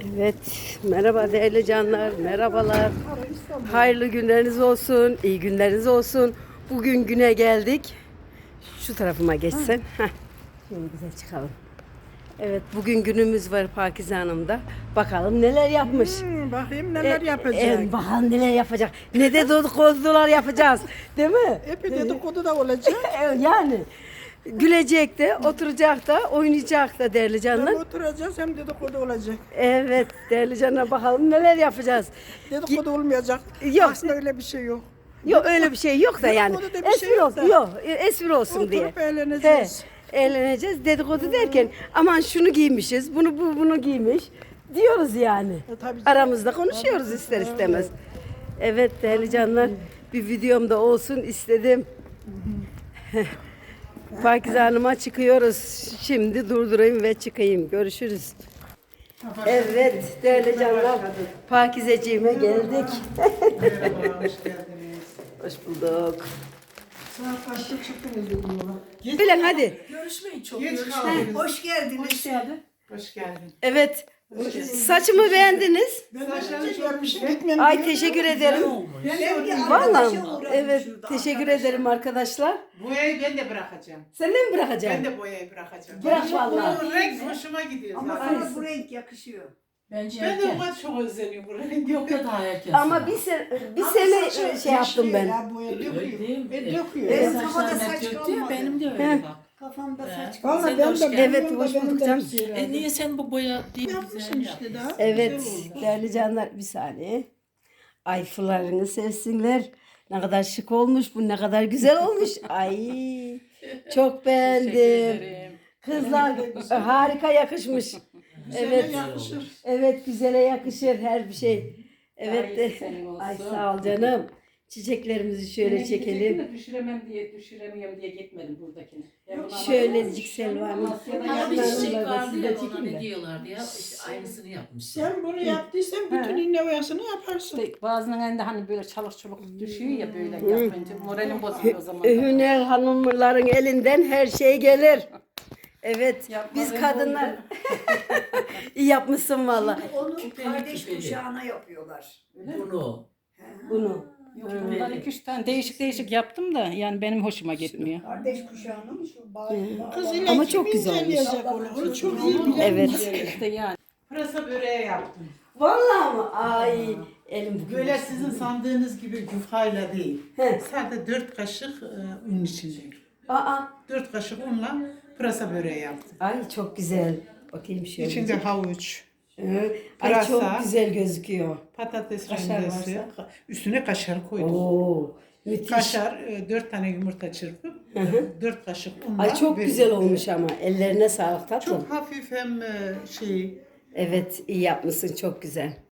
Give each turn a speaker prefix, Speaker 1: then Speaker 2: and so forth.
Speaker 1: Evet, merhaba değerli canlar, merhabalar. Hayırlı günleriniz olsun, iyi günleriniz olsun. Bugün güne geldik. Şu tarafıma geçsen. Heh, şöyle güzel çıkalım. Evet, bugün günümüz var Pakize Hanım'da. Bakalım neler yapmış.
Speaker 2: Bakayım neler yapacak.
Speaker 1: Bakalım neler yapacak. Ne de dedikodular yapacağız. Değil mi?
Speaker 2: Hep dedikodu da olacak.
Speaker 1: Yani gülecek de, oturacak da, oynayacak da değerli canlar.
Speaker 2: Hem oturacağız hem dedikodu olacak.
Speaker 1: Evet değerli canlar, bakalım neler yapacağız.
Speaker 2: Dedikodu olmayacak.
Speaker 1: Yok.
Speaker 2: Aslında öyle bir şey yok.
Speaker 1: Yok öyle bir şey yok da yani.
Speaker 2: Dedikodu da bir şey
Speaker 1: Espri
Speaker 2: yok
Speaker 1: olsun.
Speaker 2: da.
Speaker 1: Yok, espri olsun diye.
Speaker 2: Oturup eğleneceğiz.
Speaker 1: Eğleneceğiz. Dedikodu derken aman şunu giymişiz, bunu giymiş diyoruz yani.
Speaker 2: Tabii.
Speaker 1: Aramızda konuşuyoruz ister istemez. Evet değerli canlar, bir videomda olsun istedim. Pakize Hanım'a çıkıyoruz. Şimdi durdurayım ve çıkayım. Görüşürüz. Evet değerli canlar, Pakizeciğime geldik.
Speaker 2: Merhaba, hoş geldiniz.
Speaker 1: Hoş bulduk.
Speaker 2: Saat kaçta çıktınız yola?
Speaker 1: Bilin hadi.
Speaker 3: Görüşmeyin çok.
Speaker 2: Geç kaldınız.
Speaker 3: Hoş geldiniz.
Speaker 2: Hoş geldin.
Speaker 1: Evet. Saçımı beğendiniz.
Speaker 2: Ben de görmüşüm gitmem.
Speaker 1: Ay teşekkür ederim.
Speaker 3: Ben
Speaker 1: Vallahi evet teşekkür ederim arkadaşlar.
Speaker 4: Boyayı ben de bırakacağım.
Speaker 1: Sen de mi
Speaker 4: Ben
Speaker 1: bırakacaksın?
Speaker 4: de boyayı bırakacağım.
Speaker 1: Bırak vallahi.
Speaker 4: Bu renk hoşuma gidiyor
Speaker 3: Ama
Speaker 4: zaten.
Speaker 3: sana bu renk yakışıyor.
Speaker 5: Bence
Speaker 4: Ben de
Speaker 5: erken.
Speaker 4: ona çok özleniyorum bu renk.
Speaker 5: Yok da daha erken.
Speaker 1: Ama bir sene şey yaptım ben.
Speaker 2: Ya boya
Speaker 5: Öyle
Speaker 2: döküyor.
Speaker 5: değil mi?
Speaker 2: Döküyor.
Speaker 3: Evet.
Speaker 5: Saçlarım
Speaker 3: Kafada
Speaker 5: hep
Speaker 3: saç
Speaker 5: döktü ya,
Speaker 3: kalmadı.
Speaker 5: benim de öyle
Speaker 1: He.
Speaker 5: bak.
Speaker 3: Kafamda saç
Speaker 2: Valla
Speaker 5: Sen de
Speaker 2: ben
Speaker 5: hoş
Speaker 2: de
Speaker 5: geldin.
Speaker 1: Evet,
Speaker 2: benim
Speaker 1: hoş
Speaker 2: de benim
Speaker 1: bulduk
Speaker 2: de
Speaker 1: canım.
Speaker 2: bir şey
Speaker 5: Niye sen bu boya değil
Speaker 2: yapmışsın işte daha.
Speaker 1: Evet
Speaker 2: Güzel oldu.
Speaker 1: değerli canlar bir saniye. Ay fırlarını sevsinler. Ne kadar şık olmuş bu, ne kadar güzel olmuş. Ay çok beğendim. Kızlar harika yakışmış. Evet.
Speaker 2: Yakışır.
Speaker 1: Evet güzele yakışır her bir şey. Evet de.
Speaker 5: iyisi senin olsun.
Speaker 1: Ay sağ ol canım. Çiçeklerimizi şöyle çekelim.
Speaker 5: Düşüremiyorum diye gitmedim buradakine.
Speaker 1: Şöylecik Selvan'ın.
Speaker 5: Ama bir çiçek vardı
Speaker 1: Siz de
Speaker 5: ya, ona
Speaker 1: çekin
Speaker 5: ne
Speaker 1: de.
Speaker 5: diyorlardı ya, işte aynısını yapmış.
Speaker 2: Sen bunu yaptıysan bütün innovasyonu yaparsın.
Speaker 6: Bazılarının da hani böyle çalık çubuk düşüyor ya böyle yapınca moralim bozuluyor o zaman.
Speaker 1: Hüner hanımların elinden her şey gelir. Evet, biz kadınlar iyi yapmışsın valla.
Speaker 3: Onu kardeş kuşağına yapıyorlar.
Speaker 5: Bunu.
Speaker 1: Bunu.
Speaker 6: Bunlar 2-3 tane değişik yaptım da yani benim hoşuma gitmiyor.
Speaker 3: Kardeş kuşağına mı şu bağ?
Speaker 2: Kız ile
Speaker 1: Ama
Speaker 2: kim
Speaker 1: çok güzel olmuş.
Speaker 2: inceleyecek onu? Onu çok iyi bilen
Speaker 1: Evet.
Speaker 6: İşte yani.
Speaker 4: Pırasa böreği yaptım.
Speaker 1: Vallahi mı? Ay elim bugün.
Speaker 4: Böyle sizin sandığınız gibi yufkayla değil.
Speaker 1: He.
Speaker 4: Sadece 4 kaşık un içinde.
Speaker 1: Aa,
Speaker 4: 4 kaşık unla pırasa böreği yaptım.
Speaker 1: ay çok güzel. Bakayım şöyle.
Speaker 4: İçinde havuç,
Speaker 1: Ay çok
Speaker 4: pırasa.
Speaker 1: güzel gözüküyor.
Speaker 4: patates
Speaker 1: Kaşar
Speaker 4: rendesi,
Speaker 1: varsa.
Speaker 4: üstüne kaşar koydum.
Speaker 1: Oo, müthiş.
Speaker 4: Kaşar, 4 tane yumurta çırpıp 4 kaşık unla.
Speaker 1: Ay çok
Speaker 4: ve-
Speaker 1: güzel olmuş ama. Ellerine sağlık tatlım.
Speaker 4: Çok hafif hem şey
Speaker 1: Evet iyi yapmışsın, çok güzel.